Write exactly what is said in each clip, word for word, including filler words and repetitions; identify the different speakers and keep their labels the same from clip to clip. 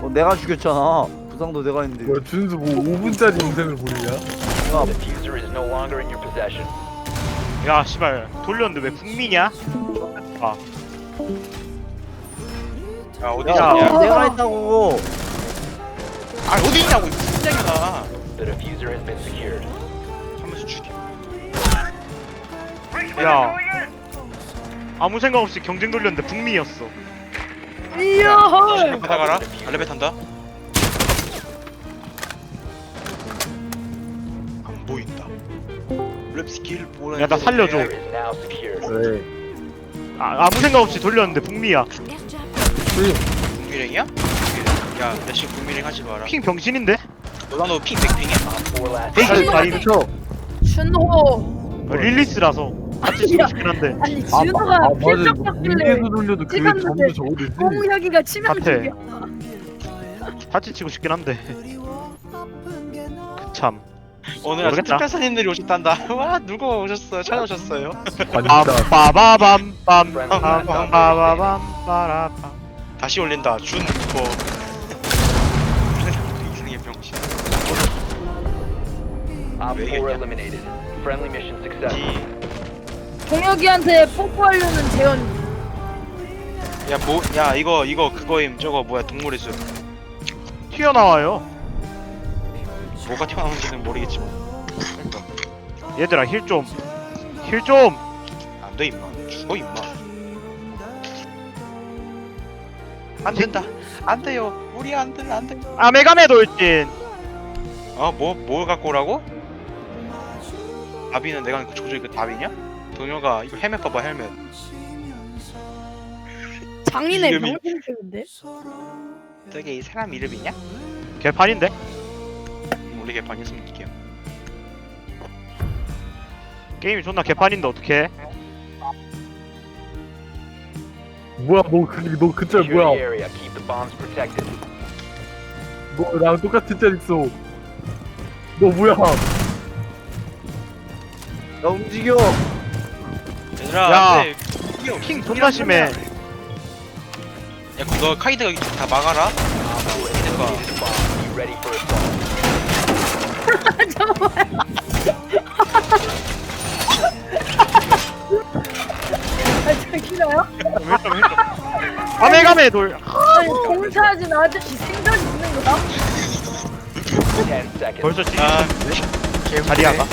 Speaker 1: 어, 내가 죽였잖아. 부상도 내가 했는데.
Speaker 2: 뭐야 준수 뭐 오 분짜리 영상을 보느냐?
Speaker 1: 야,
Speaker 3: Diffuser is no longer in your possession.
Speaker 4: 야 씨발 돌렸는데 왜 북미냐? 아
Speaker 5: 야 어디
Speaker 1: 야,
Speaker 5: 있냐?
Speaker 1: 내가 했다고.
Speaker 5: 아 어디 있냐고 이 분쟁이야.
Speaker 3: The diffuser has been secured.
Speaker 5: 한 번씩 죽여.
Speaker 4: 야 아무 생각 없이 경쟁 돌렸는데 북미였어.
Speaker 6: 이야.
Speaker 5: 받아가라. 알레베 탄다. 안 보인다. 랩 스킬 뭐라.
Speaker 4: 야 나 살려줘.
Speaker 3: Is now secured.
Speaker 2: 왜?
Speaker 4: 아, 아무 생각 없이 돌렸는데 북미야.
Speaker 5: 국민행이야? 야, 나 지금 국민행 하지 마라.
Speaker 4: 핑 병신인데?
Speaker 5: 너나너 핑 백핑이야.
Speaker 3: Four last.
Speaker 4: 에이
Speaker 2: 빨리
Speaker 4: 아니
Speaker 2: 그쵸?
Speaker 6: 준호.
Speaker 4: 어, 릴리스라서 같이 치고 싶긴 한데.
Speaker 6: 아니
Speaker 2: 아,
Speaker 6: 준호가
Speaker 2: 아 맞아
Speaker 6: 필적
Speaker 2: 이거
Speaker 6: 받길래
Speaker 2: 공개도 돌려도 그게
Speaker 6: 찍었는데
Speaker 2: 점수 적어도 있지.
Speaker 6: 홍혁이가 치명적이야.
Speaker 4: 같이 치고 싶긴 한데. 그참.
Speaker 5: 오늘 아주
Speaker 4: 모르겠다.
Speaker 5: 특별사님들이 오셨단다. 와, 누가 오셨어요? 찾아오셨어요?
Speaker 2: 관다.
Speaker 4: 빠바밤 빰빰 빠바밤 빠라밤.
Speaker 5: 다시 올린다. 준 뭐. 이상의 병신.
Speaker 3: Op
Speaker 5: 왜
Speaker 3: four
Speaker 5: 이겼냐?
Speaker 3: eliminated. Friendly mission successful.
Speaker 5: 이,
Speaker 6: 홍혁이한테 뽀뽀하려는 재현.
Speaker 5: 야, 뭐, 야, 이거, 이거, 그거임. 저거 뭐야, 동물의 숲.
Speaker 4: 튀어나와요.
Speaker 5: 뭐가 튀어나오는지는 모르겠지만. 그러니까.
Speaker 4: 얘들아 힐 좀. 힐 좀.
Speaker 5: 안 돼, 임마. 죽어, 임마. 안 된다. 안 돼요. 우리 안 돼, 안 돼.
Speaker 4: 아메가메 돌진.
Speaker 5: 어, 뭐, 뭘 갖고 오라고? 다비는 내가 그 조조이 그 다비냐? 동료가 이거 헬멧 봐봐, 헬멧.
Speaker 6: 장인의
Speaker 5: 이름이-
Speaker 6: 병신인데.
Speaker 5: 저게 이 사람 이름이냐?
Speaker 4: 개판인데?
Speaker 5: 우리 개판이었으면 좋게요.
Speaker 4: 게임이 존나 개판인데 어떡해?
Speaker 2: 뭐야 너그너 그 짤
Speaker 3: Secure the
Speaker 2: 뭐야?
Speaker 3: area. Keep the bombs protected.
Speaker 2: 너 나랑 똑같은 짤 있어. 너 뭐야?
Speaker 1: 야, 움직여.
Speaker 5: 얘들아,
Speaker 4: 야,
Speaker 5: 안돼.
Speaker 4: 킹 존나 심해.
Speaker 5: 야, 그럼 너 카이드가 다 막아라.
Speaker 3: Op four has
Speaker 5: 이거.
Speaker 3: located the bomb. Be ready for assault.
Speaker 6: 아 저기라요?
Speaker 4: 힐좀 힐좀. 아메가메 돌.
Speaker 6: 아니 공사하진 아저씨 생각 있는 거야?
Speaker 3: Ten seconds.
Speaker 4: 벌써 찌.
Speaker 5: 아,
Speaker 4: 자리야가.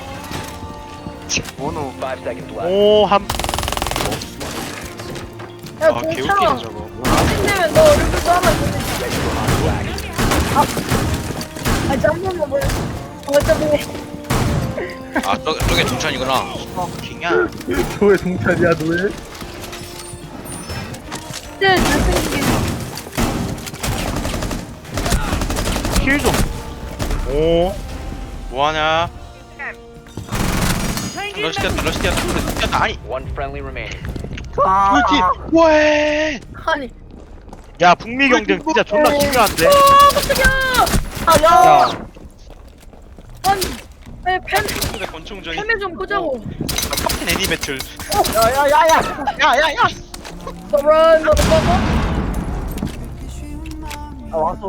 Speaker 1: 원호.
Speaker 3: Five seconds left.
Speaker 4: 오 함.
Speaker 6: 야
Speaker 5: 아,
Speaker 6: 공차.
Speaker 5: 개웃기네 저거.
Speaker 6: 힘내면 너 얼굴도 하나 보내.
Speaker 3: Ready for hostile action.
Speaker 6: 아 잠깐만 뭐. 어쩌고.
Speaker 5: 아, 저, 저게 동찬이구나. 어, 킹이야.
Speaker 2: 너의 동찬이야 너의?
Speaker 6: 네 잘생기게.
Speaker 4: 힐 좀. 오.
Speaker 5: 뭐하냐? 러시 뛰었다, 러시 뛰었다, 러시 뛰었다. 아니,
Speaker 3: One friendly remaining.
Speaker 5: 뭐지? 뭐해?
Speaker 6: 아니.
Speaker 4: 야 북미 경쟁 진짜 존나 중요한데.
Speaker 6: 어 깜짝이야. 아야.
Speaker 4: 야.
Speaker 6: 아니. 에 팬.
Speaker 5: 근데 권총전이.
Speaker 6: 팬을 좀 끄자고.
Speaker 5: 파킨 애니 배틀.
Speaker 1: 야야야야.
Speaker 5: 야야야.
Speaker 6: The run, motherfucker.
Speaker 1: 아, 왔어.